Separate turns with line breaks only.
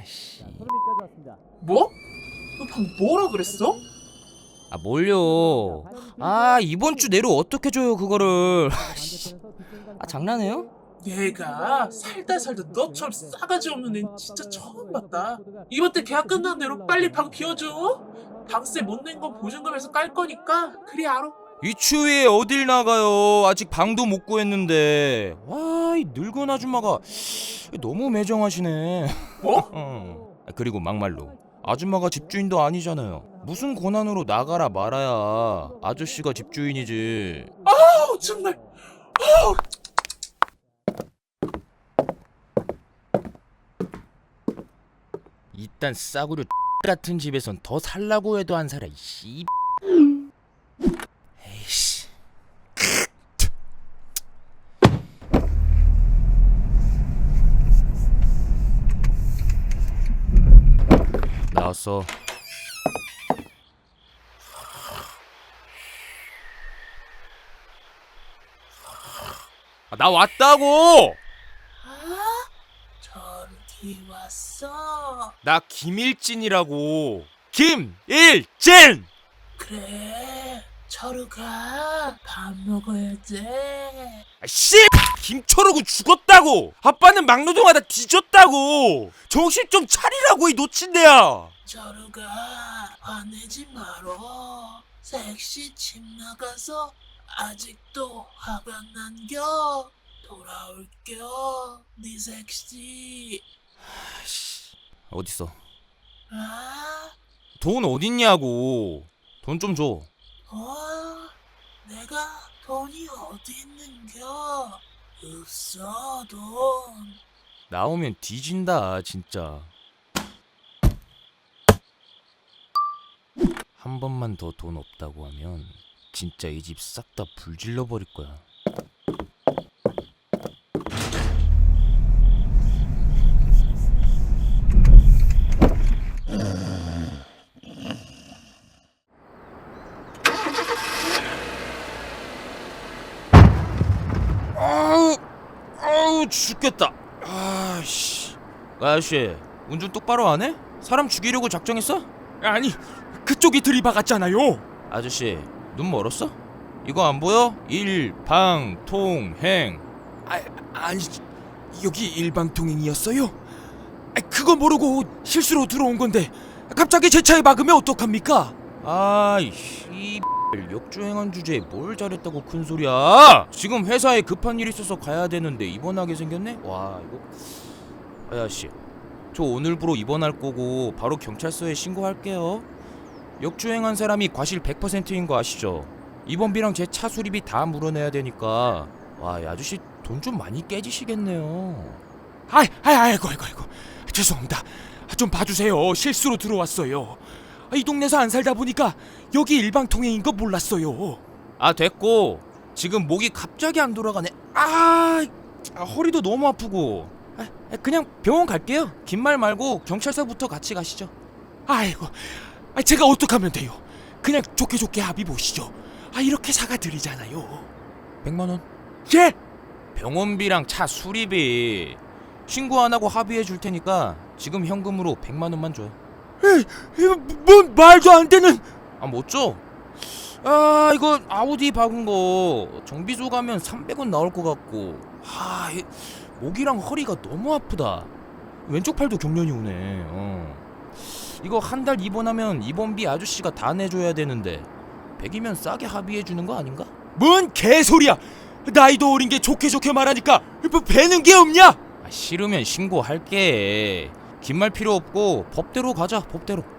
씨.
뭐? 너 방금 뭐라 그랬어?
아 뭘요? 아 이번 주 내로 어떻게 줘요 그거를? 아 장난해요?
내가 살다 너처럼 싸가지 없는 애 진짜 처음 봤다. 이번 달 계약 끝난 대로 빨리 방 비워줘. 방세 못 낸 건 보증금에서 깔 거니까 그리 알아.
이 추위에 어딜 나가요? 아직 방도 못 구했는데. 와 이 늙은 아줌마가 너무 매정하시네.
뭐?
그리고 막말로 아줌마가 집주인도 아니잖아요. 무슨 권한으로 나가라 말아야 아저씨가 집주인이지.
아우 정말. 아우.
이딴 싸구려 같은 집에선 더 살라고 해도 안 살아. 씨. 에이씨. 나왔어. 아, 나 왔다고.
저기 왔어.
나 김일진이라고. 김일진.
그래. 저로 가. 밥 먹어야 돼.
씨! 김철호고 죽었다고! 아빠는 막노동하다 뒤졌다고! 정신 좀 차리라고 이 놓친데야!
저로 가. 화내지 말어. 섹시 집 나가서 아직도 화가 난겨. 돌아올겨. 네 섹시.
어딨어?
아?
돈 어딨냐고! 돈 좀 줘.
내가 돈이 어디 있는겨? 없어 돈.
나오면 뒤진다 진짜. 한 번만 더 돈 없다고 하면 진짜 이 집 싹 다 불질러 버릴 거야. 아우 죽겠다. 아씨. 아저씨 운전 똑바로 안 해? 사람 죽이려고 작정했어?
아니, 그쪽이 들이박았잖아요.
아저씨 눈 멀었어? 이거 안 보여? 일방통행.
아니, 여기 일방통행이었어요? 그거 모르고 실수로 들어온 건데 갑자기 제 차에 막으면 어떡합니까?
아이씨 역주행한 주제에 뭘 잘했다고 큰소리야. 지금 회사에 급한 일 있어서 가야 되는데 입원하게 생겼네? 와 이거. 아저씨 저 오늘부로 입원할 거고 바로 경찰서에 신고할게요. 역주행한 사람이 과실 100%인 거 아시죠? 입원비랑 제 차 수리비 다 물어내야 되니까. 와 이 아저씨 돈 좀 많이 깨지시겠네요.
아이고 죄송합니다. 좀 봐주세요. 실수로 들어왔어요. 이 동네에서 안 살다 보니까 여기 일방통행인 거 몰랐어요.
아 됐고 지금 목이 갑자기 안 돌아가네. 허리도 너무 아프고. 그냥 병원 갈게요. 긴 말 말고 경찰서부터 같이 가시죠.
아이고, 제가 어떡하면 돼요? 그냥 좋게 합의 보시죠. 이렇게 사과드리잖아요.
100만 원.
예?
병원비랑 차 수리비 신고 안 하고 합의해 줄 테니까 지금 현금으로 100만 원만 줘요.
뭔 말도 안 되는.
못 줘? 이거 아우디 박은 거 정비소 가면 300원 나올 것 같고. 목이랑 허리가 너무 아프다. 왼쪽 팔도 경련이 오네. 이거 한 달 입원하면 입원비 아저씨가 다 내줘야 되는데 100이면 싸게 합의해 주는 거 아닌가?
뭔 개소리야. 나이도 어린 게 좋게 말하니까 뭐 배는 게 없냐?
싫으면 신고할게. 긴 말 필요 없고 법대로 가자. 법대로.